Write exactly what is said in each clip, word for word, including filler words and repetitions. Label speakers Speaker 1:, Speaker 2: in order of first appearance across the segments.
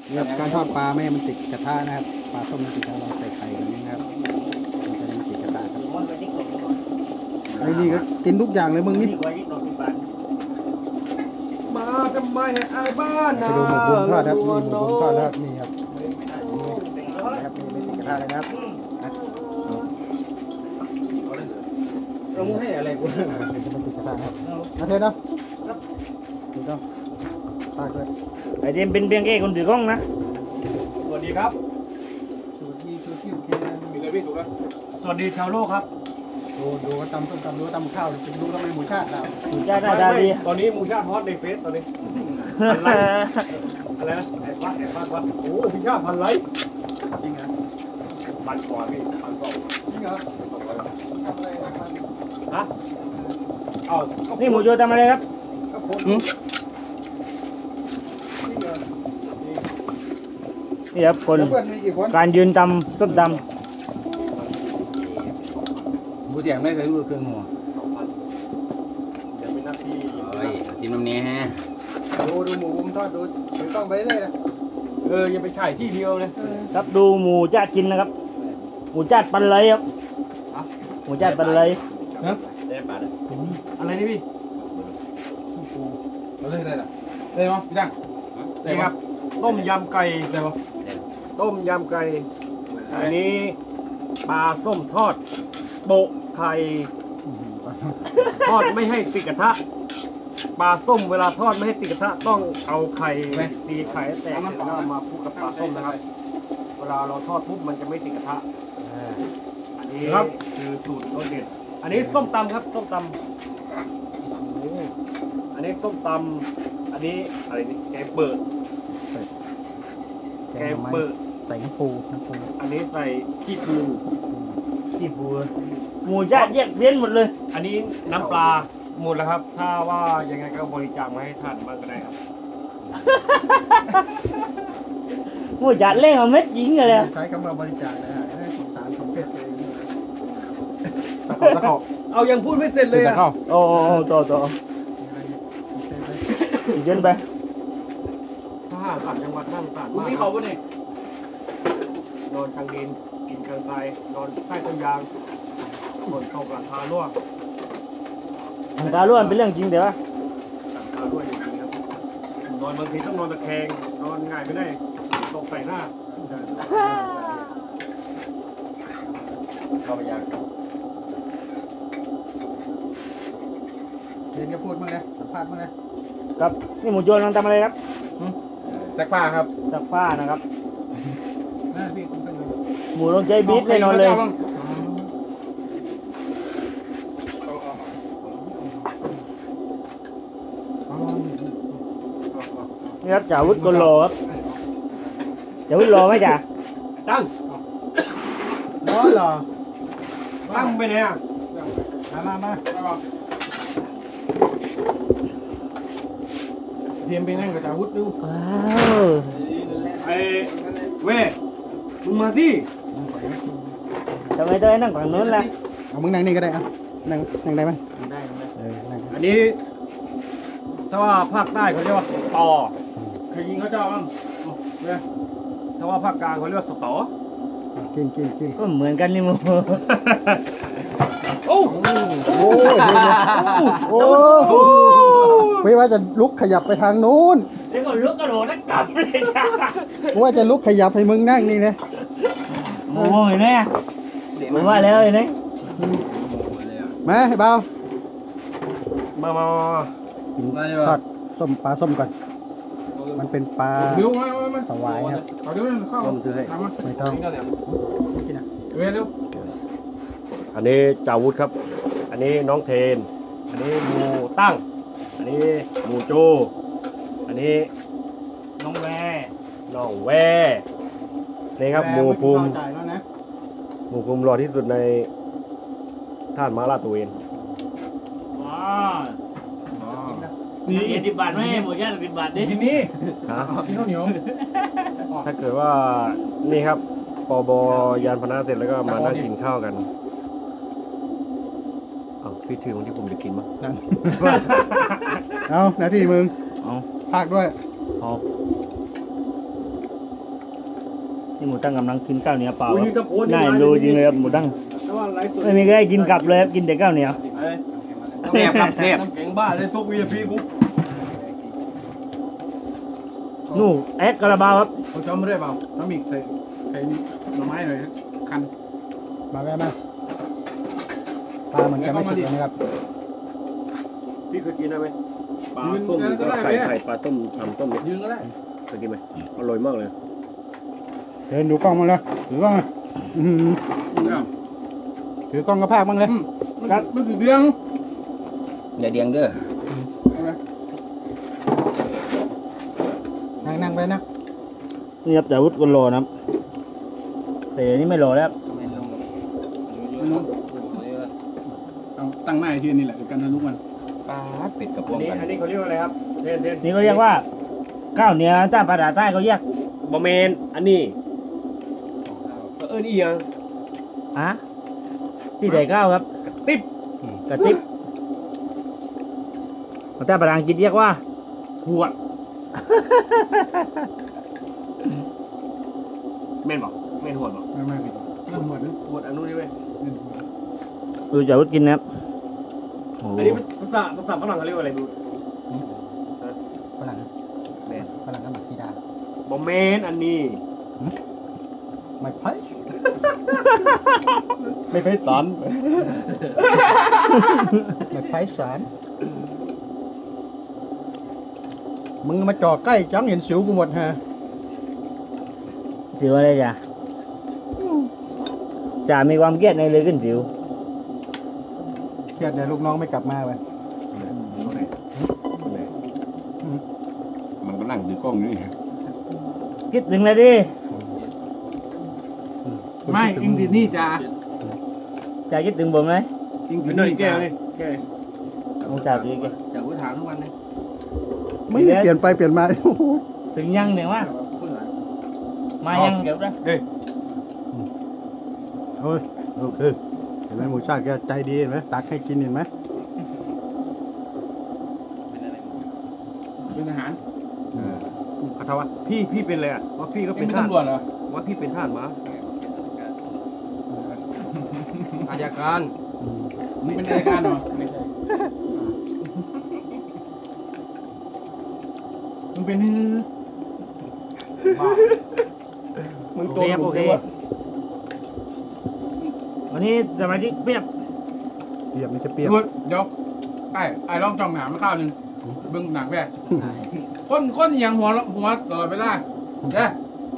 Speaker 1: เนี่ยการทอดปลาไม่ให้มันติดกระทะนะครับปลาต้มมันติดกระทะเราใส่ไข่แบบนี้นะครับมันจะไม่ติดกระทะครับไอ้นี่ก็กินทุกอย่างเลยมึงนี่
Speaker 2: มาทำไมให้อายบ้าน
Speaker 1: ไป
Speaker 2: นะ
Speaker 1: ดูหมูบุญทอดครับนี่หมูบุญทอดนะครับนี่ครับนะครับนี่ไม่ติดกระทะเลยนะครับ
Speaker 2: เราให้อะไรกู
Speaker 1: อ่าเดี๋ยวจะไม่ติดกระทะครับมาเทนเนาะถูกต้องปากเลย
Speaker 3: ไอเจมเป็นเพียงแค่คนถือกล้องนะ
Speaker 2: สวัสดีครับ
Speaker 1: สูตรที่สูตรที่โอเคนะ
Speaker 2: มีอะไรพี่ถูกแล้วสวัสดีชาวโลกครับ
Speaker 1: ดูดูว่าตำต้มตำดูว่าตำข้าวจะดูทำไมหมูชาติเรา
Speaker 3: หมูจ้าหน้าตาดี
Speaker 2: ตอนนี้มูชาติฮอตในเฟซตอนนี้อะไรอะไรนะไอ้ฟัดไอ้ฟัดวัดโอ้พี่ชาติพันไลค์
Speaker 1: จริงเหรอ
Speaker 2: พันกว่าพี่พันสอง
Speaker 1: จริงเหรอทำอะไรนะครับ
Speaker 2: ฮะเอ้า
Speaker 3: นี่หมูโจทำอะไรครับ
Speaker 2: ก็โพส
Speaker 1: จริงเหรอ
Speaker 3: นี่ครับคน
Speaker 1: แล้วเพื่อนมีกี่คน
Speaker 3: การยืนตำต้มต
Speaker 4: หมูเสียงได้เคยรู้เครื่องหัว
Speaker 2: สองพันเดี๋ยวเป็นหน้าที่
Speaker 4: เฮ้ยจิ้มน้ำเนี้ยฮะ
Speaker 1: ดูดูหมูบุญทอดดูถือกล้องไปเลยนะ
Speaker 2: เออยังไปฉายที่เดียวเลย
Speaker 3: ำครับดูหมูจ้ากินนะครับ หมูจ้าปันเลยครับหมูจ้าปันเลย
Speaker 2: นะ
Speaker 4: ได้ปลาได้
Speaker 2: อะไรนี่พี่
Speaker 4: เราได้ได้หรอได้มั้ยพี่ดัง
Speaker 2: นี่ครับต้มยำไก่ใช่ปะต้มยำไก่อันนี้ปลาส้มทอดโปะไข่ทอดไม่ให้ติดกระทะปลาส้มเวลาทอดไม่ให้ติดกระทะต้องเอาไข่ตีไข่ให้แตกแล้วก็มาคลุกกับปลาส้มนะครับ เวลาเราทอดปุ๊บมันจะไม่ติดกระทะอันนี้คือสูตรรสเด็ดอันนี้ส้มตำครับส้มตำอันนี้ส้มตำอันนี้อะไรนี่แกงเปิด แกงเปิด
Speaker 1: ใส่น้ำปูน้ำปู
Speaker 2: อันนี้ใส่ขี้ปู
Speaker 3: ที่ปูหมูจ้าแยกเพี้ยนหมดเลย
Speaker 2: อันนี้น้ำปลาหมดแล้วครับ ถ้าว่ายังไงก็บริจาคมาให้ท่านบ้างก็ได้ครับ
Speaker 3: หมูจ้าเล่งเอาเม็ดยิงเลยอะ
Speaker 1: ใช้คำว่าบริจาคนะฮะให้สงสารสมเพชตัวเอง
Speaker 4: ตะเข้าตะเข้า
Speaker 2: เอายังพูดไม่เสร็จเลย
Speaker 4: ตะ
Speaker 2: อ่ะ
Speaker 4: เข้า
Speaker 3: โอ้โอ้ต่อต่ออีกเยนไป
Speaker 2: ทหารต่างจังหวัดนั่งต่าง
Speaker 4: มึง
Speaker 2: มาก
Speaker 4: นี่เขาปะเนี่ย
Speaker 2: นอนกลางดินกินกลางทรายนอนใต้ต้นยางฝนตกหลังคารั่ว
Speaker 3: หลังคาล้วนเป็นเรื่องจริงเดี๋ยววะ
Speaker 2: หลังคารั่วจริงๆครับนอนบางทีต้องนอนตะแคงนอนง่ายไม่ได้ตกใส่หน้า
Speaker 4: เข้าไปยัง
Speaker 1: เรียนก็พูดมั้งนะสัมภาษณ์มั้งนะครับ
Speaker 3: นี่หมูโจกำลังทำอะไรครับ
Speaker 4: แจ็คป้าครับ
Speaker 3: ซักผ้านะครับ
Speaker 1: นะพี่คุณเป็นไง
Speaker 3: หมูลงใจบีทแน่นอนเลย นี่ครับจ่าวุฒิกโลครับจ่าวุฒิโลไหมจ่า
Speaker 2: ตั้ง
Speaker 1: ร้อนเหรอ
Speaker 2: ตั้งไปไหนอ่ะ
Speaker 1: มามามา
Speaker 4: เทียมไปนั่งกับจ่าวุฒิดู
Speaker 3: ว้าว
Speaker 2: ไอ้เว้มึงมาสิ
Speaker 3: ทำไมต้องให้นั่งฝั่งนู้นล่ะ
Speaker 1: เอามึงนั่งนี่ก็ได้อ่ะนั่งนั่งได้ไหม
Speaker 3: ได้ได้
Speaker 1: เออนั่ง
Speaker 2: อันนี้ถ้าว่าภาคใต้เขาเรียกว่าต่อ
Speaker 4: เคยยิงเขาเจ้าบ้างเนี่ย
Speaker 2: ถ้าว่าภาคกลางเขาเรียกว่าสตอ
Speaker 1: กินกินกิน
Speaker 3: ก็เหมือนกันนี่หมู
Speaker 2: โอ้
Speaker 1: โอ้ยโอ้ไม่ว่าจะลุกขยับไปทางนู้น
Speaker 3: เดี๋ยวก็ลุกกระโดดนักกลับเลยจ้า
Speaker 1: ว่าจะลุกขยับให้มึงนั่งนี่นะ
Speaker 3: โอ้ยเนี่ยผมว่าแล้วเลยเนี่ย
Speaker 1: มาให้เบา
Speaker 2: มามามา
Speaker 1: กินทอดส้มปลาส้มก่อน มันเป็นปลา
Speaker 4: เร็วมามามา
Speaker 1: สวายครับ
Speaker 4: เอาเดี๋ยวเข้าทำมา
Speaker 1: ไม่ต้องกินอ่ะ
Speaker 4: เร็วเร็ว
Speaker 2: อันนี้จาวุธครับ อันนี้น้องเทน อันนี้หมูตั้ง อันนี้หมูโจ อันนี้
Speaker 3: น้องแว
Speaker 2: น้องแวนี่ครับหมูภูมิ
Speaker 1: จ่ายแล้วนะ
Speaker 2: หมูภูมิรอที่สุดในท่านมาลาดตระเวน
Speaker 3: ว้าวนี่ยี่สิบบาทไหมหมูย่างสิบบาทดิ
Speaker 4: กินนี่
Speaker 2: ฮะ
Speaker 4: กินข้าวเหนียว
Speaker 2: ถ้าเกิดว่านี่ครับปบยานพาหนะเสร็จแล้วก็มานั่งกินข้าวกันเอาพี่ถือของที่ผมจะกินมั้ง
Speaker 1: นั่งเอาหน้าที่มึง
Speaker 3: เอา
Speaker 1: ภาคด้วย
Speaker 3: เอานี่หมูตั้งกำลังกินข้าวเหนียวเปล่า
Speaker 2: โอ้ย
Speaker 3: ค
Speaker 2: นี่
Speaker 3: รับ
Speaker 2: จะโพสต์
Speaker 3: น่าเอ็นดูจริงเลยครับหมูตั้ง
Speaker 2: แต่ว่าไลฟ์สด
Speaker 3: ไม่มีใครให้กินกลับเลยครับกินแต่ข้าวเหนียว
Speaker 2: แซ่บครับแซ่บ
Speaker 4: น้ำแข็งบ้าเลยทุกวีพีกู
Speaker 3: นู่แอดกระบาวครับ
Speaker 4: เขาจอมไม่ได้เปล่าน้ำอีกใส่ใส่หน่อไม้หน่อยคัน
Speaker 1: มาแม่มาปลามันจะไม่ติดนะครับ
Speaker 2: พี่เคยกินได้ไหมปลาต้มแล้วก็ไข่ไข่ปลาต้มทำต้มเนี่ย
Speaker 4: ยืนก็ได้
Speaker 2: เคยกินไหมอร่อยมากเลย
Speaker 1: เดินดูกล้องมาเลยถือกล้องมาอื้อหือถือกล้องกระพากบ้างเลย
Speaker 4: ครับมันคือเดือง
Speaker 2: อย่าเดียงเด้อ
Speaker 1: นั่งนั่งไปนะ
Speaker 3: นี่ครับแต่วุฒิก็รอนะครับแต่อันนี้ไม่รอแล้วครับ
Speaker 4: เอาตั้งหน้าที่นี่แหละกันทะลุมัน
Speaker 2: ปลาเป็ดกับพวกอันนี้อันนี้เขาเรียกว่าอะไรครับเด่นเด่น
Speaker 3: นี่เขาเรียกว่าข้าวเหนียวใต้ภาษาใต้เขาเรียก
Speaker 2: บะเมนอันนี้เอิญอีหยัง
Speaker 3: อะที่ใส่ข้าวครับ
Speaker 2: กระติบ
Speaker 3: กระติบภาษาภาษาอังกฤษเรียกว่า
Speaker 2: ขวดเมนบอกเมนหัวบอก
Speaker 4: ไม่ไม่ผิดเรื่องหัวนึง
Speaker 2: ขวดอันนู้นนี่เว้ย
Speaker 3: ดูจากวุฒิกินนะครับโอ้โห
Speaker 2: อันนี้ภาษาภาษาฝรั่งเขาเรียกว่าอะไรดู
Speaker 1: ฝรั่ง
Speaker 2: แมน
Speaker 1: ฝรั่งก็หมักซีดา
Speaker 2: บะเมนอันนี้
Speaker 1: ไม่ไพ่
Speaker 2: ไม่เคยสอน
Speaker 1: ไม่ไพ่สารมึงมาจ่อใกล้จังเห็นสิวกูหมดฮะ
Speaker 3: สิวอะไรจ้ะจ่ามีความเครียดในเลยขึ้นสิว
Speaker 1: เครียดเดี๋ยวลูกน้องไม่กลับมาไป
Speaker 2: มันก็นั่งดูกล้องนี่
Speaker 3: คิดถึงเลยดิ
Speaker 4: ไม่เองติดนี่จ้า
Speaker 3: จ่าคิดถึงผมไหม
Speaker 4: เองติ
Speaker 2: เป็
Speaker 4: ด
Speaker 2: นหน่อย
Speaker 4: นี่
Speaker 2: แก้
Speaker 4: จ้าว
Speaker 2: นี่แก้ว
Speaker 3: ต้องจ่าดีแก
Speaker 2: จากวิถามทุกวันเลย
Speaker 1: ไม่ได้เปลี่ยนไปเปลี่ยนมา
Speaker 3: ถึงยังเนี่ยว่ามายังเดี๋ยวนะ
Speaker 2: เฮ้ย
Speaker 1: โอ้ยโอเคเห็นไหมหมูชาติแกใจดีเห็นไหมตักให้กินเห็นไหม
Speaker 4: เป็นอาหาร
Speaker 2: เขาถามว่าพี่พี่เป็นอะไรอ่ะว่าพี่ก็
Speaker 4: เอ
Speaker 2: เป็
Speaker 4: ง
Speaker 2: น
Speaker 4: เป็น
Speaker 2: ทหาร
Speaker 4: ตำรวจเหรอ
Speaker 2: ว่าพี่เป็นทหารมาอายการ
Speaker 1: อืม
Speaker 4: มึงเป็นรายการเหรอ
Speaker 2: ไม่ใช่
Speaker 4: มึงเป็นบ้า
Speaker 2: มึง
Speaker 3: โอ
Speaker 2: ตัว
Speaker 3: เคครับโอเควันนี้สมาชิกเปียบ
Speaker 1: เปรียบไม่ใช่เปรียบ
Speaker 4: ดูเดี๋ยวไอ้ไอ้ลองจ้องหนามมาข้าวหนึ่งเบิ่งหนังแม่คนคนอหย่างหัวหัวตลอดเวลาเด้อ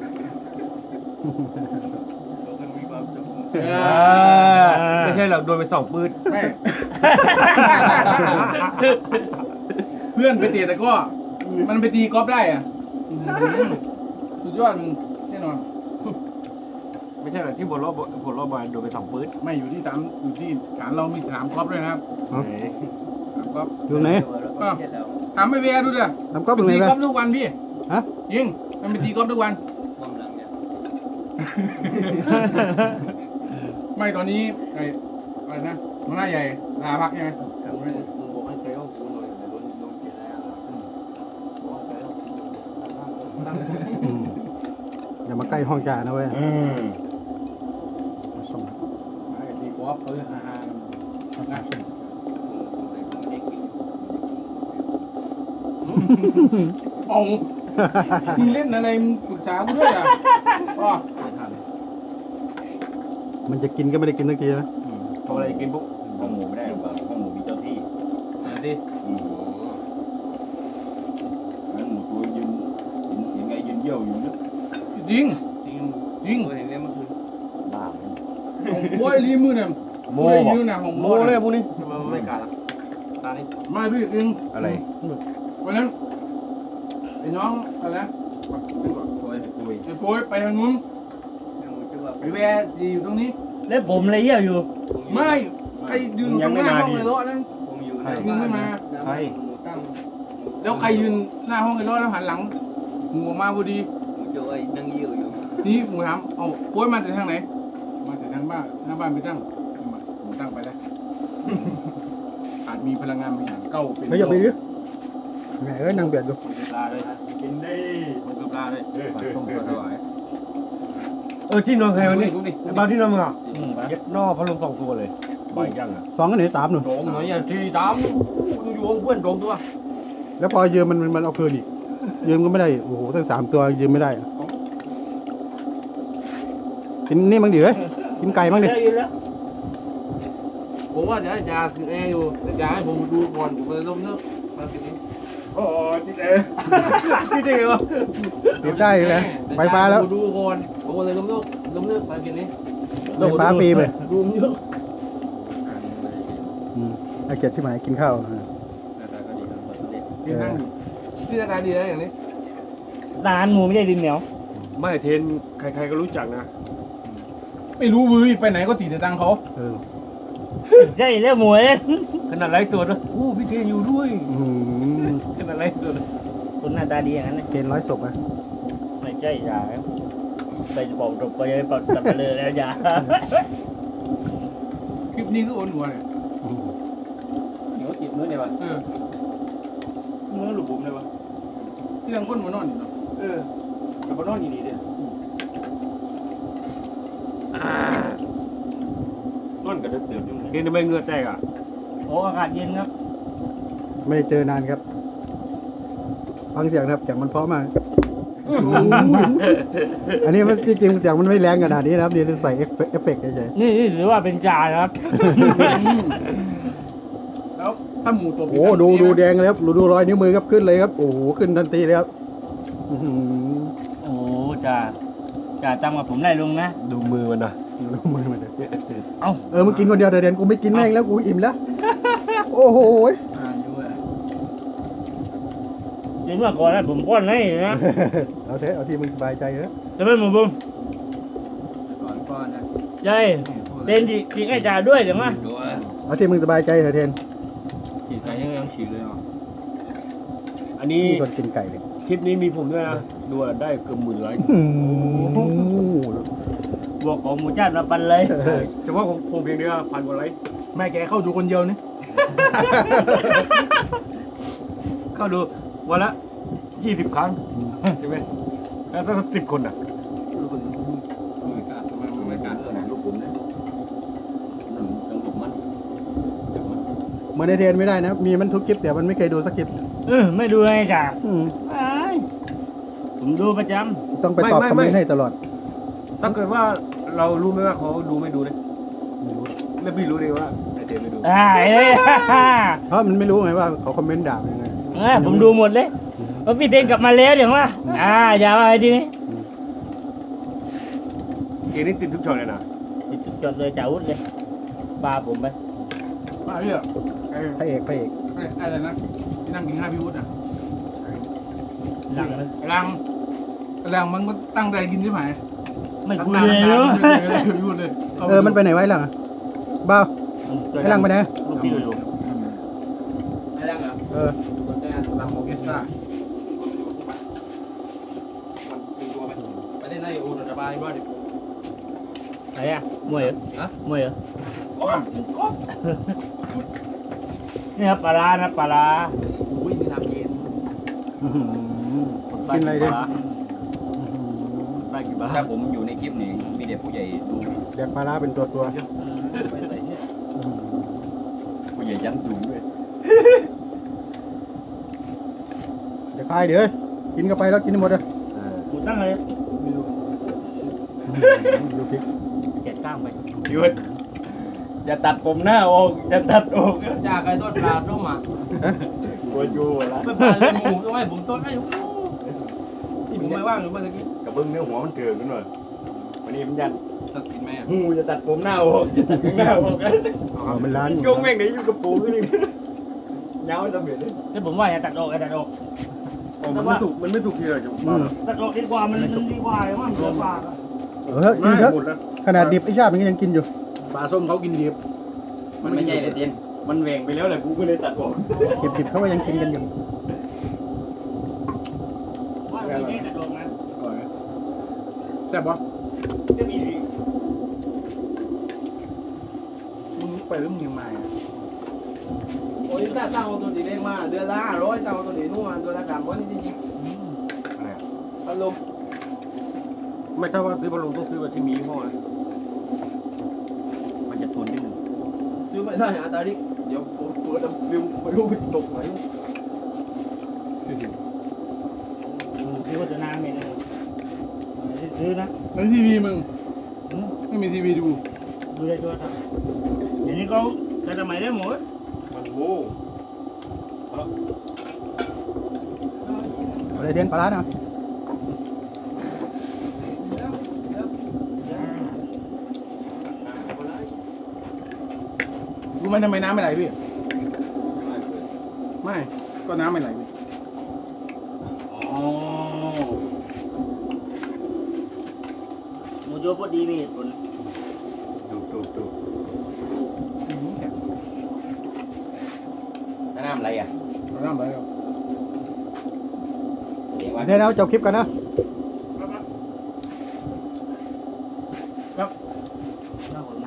Speaker 4: เออ
Speaker 2: ไม่ใช่หรอกโดนไปสองปืน
Speaker 4: ไม่ เพื่อนไปเตะแต่ก็ มันไปตีกอล์ฟได้อ่ะอื้อหือสุดยอดมึงแน่นอน
Speaker 2: ไม่ใช่หรอกที่บนรอบบนรอบบอลโดนไปสองปืน
Speaker 4: ไม่อยู่ที่สามอยู่ที่ฐานเรามีสนามกอล์ฟด้วยนะครับ
Speaker 1: เอา
Speaker 4: สนามกอล์ฟ
Speaker 1: ดูไหน
Speaker 4: ก็ถามไปเวียดูดิ
Speaker 1: ทำก๊อฟตรงไหน
Speaker 4: ตี
Speaker 1: ไป
Speaker 4: กอล์ฟทุกวันพี่
Speaker 1: ฮะ
Speaker 4: ยิงมันไปตีกอล์ฟทุกวัน ไม่ตอนนี้ไอ้อะไรนะหัวหน้าใหญ่ลาพักใช่ไหม
Speaker 2: มึงบอกให้ใช้ห้องกูหน่อยโดนโดนเกลียดแล้วบอกให้ใช้ห้องกู
Speaker 1: อืมอย่ามาใกล้ห้องจ่านะเว้ย
Speaker 2: อืม
Speaker 1: มาส่ง
Speaker 4: ไอ้ตีกอล์ฟเออฮ่าๆนะเอามึงเล่นอะไรมึงปรึกษากูด้วยอ่ะอ๋อ
Speaker 2: ไม่ทัน
Speaker 1: มันจะกินก็ไม่ได้กินทักทีนะ
Speaker 2: ทำอะไรกินปุ๊บ
Speaker 5: ห้องหมูไม่ได้หรอกครับห้องหมูมีเจ้าที่
Speaker 2: ดิ
Speaker 5: อืมงั้นหมูตัวยืนเห็นเห็นไงยืนเยี่ยวอยู่นึก
Speaker 4: จริง
Speaker 2: จริง
Speaker 4: จริง
Speaker 2: เห็นเนี่ยเมื่อคืน
Speaker 5: บ้าไหม
Speaker 4: ของบอยรีมือเนี่ย
Speaker 2: โม
Speaker 4: บอย
Speaker 2: บอก
Speaker 4: นิ้วน่ะของ
Speaker 2: โม
Speaker 4: บอย
Speaker 2: เลย
Speaker 4: น่ะ
Speaker 2: พวกนี้ทำไมมันไม่กัดล่ะตานี่
Speaker 4: ไม่พี่จริง
Speaker 2: อะไร
Speaker 4: วันนั้นไอ้น้องอะไรนะเป็นก่อน
Speaker 2: โอ้ยคุย
Speaker 4: ไอ้โป้ยไปทางนู้นไอ้แวร์จีอยู่ตรงนี้
Speaker 3: แล้วผมเลยเยี่ยวอยู่
Speaker 4: ไม่ใครยืนตรงหน้าห้องไอ้รถนั้น
Speaker 2: ใคร
Speaker 4: มึงไม่มา
Speaker 2: ใคร
Speaker 4: แล้วใครยืนหน้าห้องไอ้รถแล้วหันหลังหูออกมาพอดี
Speaker 2: นั่งเยี่ยวอยู่
Speaker 4: นี่หมูถามเอ้าโป้ยมาจากทางไหน มาจากทางบ้านหน้าบ้านไปตั้งมาหมูตั้งไปแล้ว อาจมีพลังงานบางอย่างเก้าเป็น
Speaker 1: เฮ้ยอย่าไปดิแหมเอ้ยนั่งเบียดดู
Speaker 2: มันคือปลาเลย
Speaker 3: กินได้
Speaker 2: มันคือปลาเลยปลาต้มปลาถวายเออที่นอนใครวันนี้ไอ้บ้านที่นอนมึงอ่ะ
Speaker 3: อืมปะ
Speaker 2: เย็ดนอกพัดลมสองตัวเลยใบยังอ่ะ
Speaker 1: สองกันไหนสามหนึ่ง
Speaker 2: โดมหน่อยอย่างที่ดำอยู่ๆเพื่อนโดมตัว
Speaker 1: แล้วพอยืมมันมันมันเอาคืนอีกยืมก็ไม่ได้โอ้โหตั้งสามตัวยืมไม่ได้อะกินนี่มั้งดิเฮ้ยกินไก่มั้งดิ
Speaker 3: ได้ยินแล้ว
Speaker 6: ผมว่าจะให้ยาคือแอร์อยู่แต่ยาให้ผมดูก่อนผมเลยล้มเลิกมาทีนี้
Speaker 2: โอ้ที่เอ๋ที่เอ๋วะ
Speaker 1: เก็บได้เลยไฟฟ้าแล้ว
Speaker 6: ดูก่อนผมเลยล้มเลิกล้มเลิกมาทีนี้
Speaker 1: ไฟฟ้าฟรีไป
Speaker 6: ดูมันเยอะ
Speaker 1: อืมไอเจ็ดที่หมายกินข้าวอ่า
Speaker 6: ที่นั่งอยู่ที่หน้าตาดีนะอย่างนี้
Speaker 3: นานหมูไม่ได้ดินเหนียว
Speaker 2: ไม่เทนใครๆก็รู้จักนะ
Speaker 4: ไม่รู้มือไปไหนก็ตีแต่ตังค์เขา
Speaker 1: เออ
Speaker 3: ใช่แล้วหมูเอ้ย
Speaker 2: ขนาดไรตัวนะอู้พี่เทนอยู่ด้วย
Speaker 1: อืม
Speaker 2: ขนาดไรตัวนะ
Speaker 3: คนหน้าตาดีอย่างนั้นนะ
Speaker 1: เกณฑ์ร้อยศพอ่ะ
Speaker 3: ไม่ใช่ยาไปบอกตกไปเลยบอกตัดไปเลยแล้วยา
Speaker 4: คลิปนี้คือโอนหัวเลย
Speaker 1: อืม
Speaker 5: เหนียวติดมือเนี่ยวะ
Speaker 4: เออ
Speaker 5: มือหลุดบุ๋มเลยวะ
Speaker 4: ที่ยังคนมานอนอยู่เนาะ
Speaker 5: เออกับนอนอยู่นี่เด้นอนกับเดือดเดือดอยู่
Speaker 2: เทนทำไมเหงือแตกอ่ะ
Speaker 3: โอ้อากาศเย็นครับ
Speaker 1: ไม่ได้เจอนานครับ ฟังเสียงนะครับเสียงมันเพราะมาก อันนี้มันจริงๆเสียงมันไม่แรงขนาดนี้นะครับนี่ใส่เอฟเฟเอฟเฟกต์เฉย
Speaker 3: นี่นี่ถือว่าเป็นจ่านะครับ
Speaker 4: แล้วถ้าหมูตัว
Speaker 1: ๆโอ้ดูดูแดงเลยครับดูดูรอยนิ้วมือครับขึ้นเลยครับโอ้โหขึ้นทันทีเลยครับอื้อหือ
Speaker 3: โอ้จ่าจ่าจำกับผมได้ลุงนะ
Speaker 2: ดูมือมันนะ
Speaker 1: ดูมือมันเลย
Speaker 3: เอ้า
Speaker 1: เออมึงกินคนเดียวเดี๋ยวเด่นกูไม่กินแม่งแล้วกูอิ่มแล้ว โอ้โห
Speaker 6: อ่านอยู่อ่ะ
Speaker 3: จริงว่าก่อนนะผมป้อนให้นะ
Speaker 1: เอาเถอะเอาที่มึงสบายใจเถอะ
Speaker 3: จะไม่หมูบุ้ม
Speaker 6: ก่อนก่อนนะ
Speaker 3: ใช่เต้นจริงให้จ่าด้วยเดี๋ยวมา
Speaker 6: ดูอ่ะ
Speaker 1: เอาที่มึงสบายใจเถอะเทน
Speaker 6: ฉีดไก่ยังยังฉีดเลยอ่ะ
Speaker 2: อันนี้
Speaker 1: มีคนกินไก่เลย
Speaker 2: คลิปนี้มีผมด้วยนะดูอะได้เกือบหมื่นไลค์
Speaker 1: อื้อหือบ
Speaker 3: วกของหมูจ้ามาปันเลย
Speaker 2: เฉพาะของผมเพียงเดียวพันกว่าไลค์
Speaker 4: แม่แกเข้าดูคนเดียวนี่
Speaker 2: เข้าดูวันละยี่สิบครั้งใช่ไหมแล้วถ้าสิบคนอ่ะ
Speaker 6: ดูคนไม่กล้าทำไมไม่กล้า
Speaker 5: เออหนังลูกบุ๋มเนี่ยนั่นต้องลูกมันเดี๋ยวมัน
Speaker 1: เหมือนในเทนไม่ได้นะ มีมันทุกคลิปแต่มันไม่เคยดูสักคลิป
Speaker 3: เออไม่ดูให้จ่า
Speaker 1: อืม
Speaker 3: ไอ้ผมดูประจ
Speaker 1: ต้องไปตอบคอมเมนต์ให้ตลอด
Speaker 2: ถ้าเกิดว่าเรารู้ไหมว่าเขาดูไม่ดูเนี่ยแล้วพี่รู้เลยว่าไอเทนไม่ดู
Speaker 3: ำอ่าเอ้ย
Speaker 1: เพราะมันไม่รู้ไงว่าเขาคอมเมนต์ด่ายังไง
Speaker 3: เออผมดูหมดเลยว่าพี่เต้นกลับมาแล้วเดี๋ยวมาอ่าอย่ามาไอ้ทีนี้
Speaker 2: เกมนี้ติดทุกช็อตเลยนะ
Speaker 3: ติดจดเลยจ่าวุฒเลยปาผมไป
Speaker 4: มาพี่อ่ะไอ้
Speaker 1: พระเอกพระเอก
Speaker 4: ไอ้อะไรนะที่นั่งกินข้าวพี่วุฒิอ่ะ
Speaker 3: หลังเลย
Speaker 4: ไอ้รังไอ้รังมันก็ตั้งใจกินใช่ไหม
Speaker 3: ไม่คุย
Speaker 4: ตั้ง
Speaker 3: เลย
Speaker 4: นาน
Speaker 3: เนาะ
Speaker 4: ไม่ได้พี่วุฒิเลย
Speaker 1: เออมันไปไหนไว้หลังอะบ้าวไอ้หลังไปไหน
Speaker 3: ลูกพี่อยู่
Speaker 6: ไม่ได้เหรอ
Speaker 1: เออ
Speaker 6: คนแต่ลำโมเกซ่าไปได้ในอูนสบายบ้างดิ
Speaker 3: ไหนอะมวยเหรอ
Speaker 6: ฮะ
Speaker 3: มวยเหรอ
Speaker 6: ก้อนก้อน
Speaker 3: นี่ครับปลาร้านะปลาร้า
Speaker 6: อุ้ยมีน้ำเย็น
Speaker 1: อื้อหือกินอะไรดิ
Speaker 2: ได้กี่บาท
Speaker 5: ถ้าผมอยู่ในคลิปนี้มีเด็กผู้ใหญ่ดู
Speaker 1: แดกปลาร้าเป็นตัวตัว
Speaker 5: ไปใส่เนี่ย
Speaker 1: อื้อหือ
Speaker 5: ผู้ใหญ่ยันจุ่มด้วย
Speaker 1: เดี๋ยวคายเดี๋ยวกินเข้าไปแล้วกินให้หมดเลย
Speaker 3: หมูตั้งเลย
Speaker 6: ไม่รู้
Speaker 1: อื้อหือดูพริก
Speaker 3: เจ็ดก้างไป
Speaker 5: หยุดอย่าตัดผมหน้าออกอย่าตัดออก
Speaker 6: จ้าไก่ต้นปลาต้มอ่ะ
Speaker 5: กลัวจูละ
Speaker 6: ไม่ปลาเลยหมูต้องให้ผมต้นให้ที่ผมไม่ว่างอยู่เมื่อกี้
Speaker 5: กับเบิ้งเนื้อหัวมันเกิดขึ้นหน่อยวันนี้มันยัน
Speaker 6: ตัดกินไหมอ่ะ
Speaker 5: หูอย่าตัดผมหน้าออกอย่าตัดข้างหน้าออกกัน
Speaker 1: อ๋อมันร้านอยู่
Speaker 5: จงแม่งไหนอยู่กับปูขึ้นนี่เงาจะเบียดเลย
Speaker 3: นี่ผมว่าอย่าตัดออกอย่าตัดออก
Speaker 2: อ๋อมันไม่ถูกมันไม่ถูกที่เลยจุ๊บ
Speaker 1: อืม
Speaker 3: ตัดออกดีกว่ามันมันดีกว่าเลยว่ามันเสียปากอะ
Speaker 1: เออกินเถอะ
Speaker 2: หมดแล้ว
Speaker 1: ขนาดดิบไอ้ชาติมันก็ยังกินอยู่
Speaker 4: ปลาส้มเขากินดิบ
Speaker 5: มันไม่ใช่เลยเตียนมันแหว่งไปแล้วแหละกูก็เลยตัดออก
Speaker 1: ดิบๆเขาก็ยังกินกันอยู่
Speaker 3: ว่าไม่ได้ตัดออกนะ
Speaker 4: อร่อยไหมแซ่บปะ
Speaker 3: จะมี
Speaker 4: มึงไปหรือมึงยังมาอ่ะ
Speaker 6: โอ้ยถ้าตั้งตัวดีเด้งมาเดือนละห้าร้อยตั้งตัวดีนู่นมาเดือนละสามร้อยนี่จริง
Speaker 2: อะไรอะ
Speaker 6: ๆพัดลม
Speaker 2: ไม่ถ้าว่าซื้อบอลลูนต้องซื้อแบบที่มียี่ห้อนะ
Speaker 5: มันจะทนนิดนึง
Speaker 6: ซื้อไม่ได้อาตาดิเดี๋ยวผมเปิดน้ำฟิวไม่รู้ไปตกไหน
Speaker 3: พี่ว่าจะนานไหมเนี่ยซื้อนะ
Speaker 4: แล้วทีวีมึง
Speaker 3: อืม
Speaker 4: ไม่มีทีวีดู
Speaker 3: ดูได้ตัวครับเดี๋ยวนี้เขาจะทำไมได้หมด
Speaker 2: มันโว้
Speaker 1: อะไรเด่นปลาร้าเนาะ
Speaker 4: รู้ไหมทำไมน้ำไม่ไหลพี่ไม่ก็น้ำไม่ไหลพี่
Speaker 3: อ๋อหมูโจ้พอดีมีเหตุผล
Speaker 5: ดูดูดู
Speaker 4: อืมแข็ง
Speaker 5: แล้วน้ำอะไรอ่ะ
Speaker 4: เอาน้ำไหลเอา
Speaker 5: เดี๋ยวว่า
Speaker 1: เดี๋ยวเราจบคลิปกันนะ
Speaker 3: ครับน่าหดนะ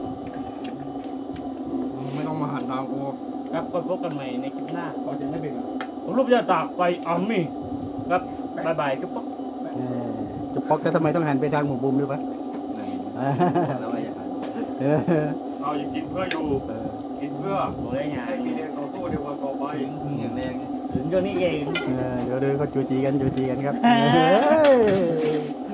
Speaker 4: มึงไม่ต้องมาหันทางกู
Speaker 3: ครับก็พบกันใหม่ในคลิปหน้า
Speaker 4: พอจะไม่เป็นหรอ
Speaker 3: ผมรูปจะตากไปอามี่ครับบายบายจุ๊บป๊อก
Speaker 1: เออจะปอกแต่ทำไมต้องหันไปทางหมู่บุมด้วยปะ
Speaker 5: แล้วอะไรอย่าง
Speaker 1: เออ
Speaker 2: เราจะกินเพื่ออยู่กินเพื่อ
Speaker 3: บอกได้ไง
Speaker 2: ให้กินเองต่อสู้ในวันต่อไป
Speaker 5: อย่างแรง
Speaker 3: ถึงเจ้านี้เอง
Speaker 1: เออเดี๋ยวเดี๋ยวเขาจูจีกันจูจีกันครับ
Speaker 3: เฮ้ย
Speaker 1: เฮ้ย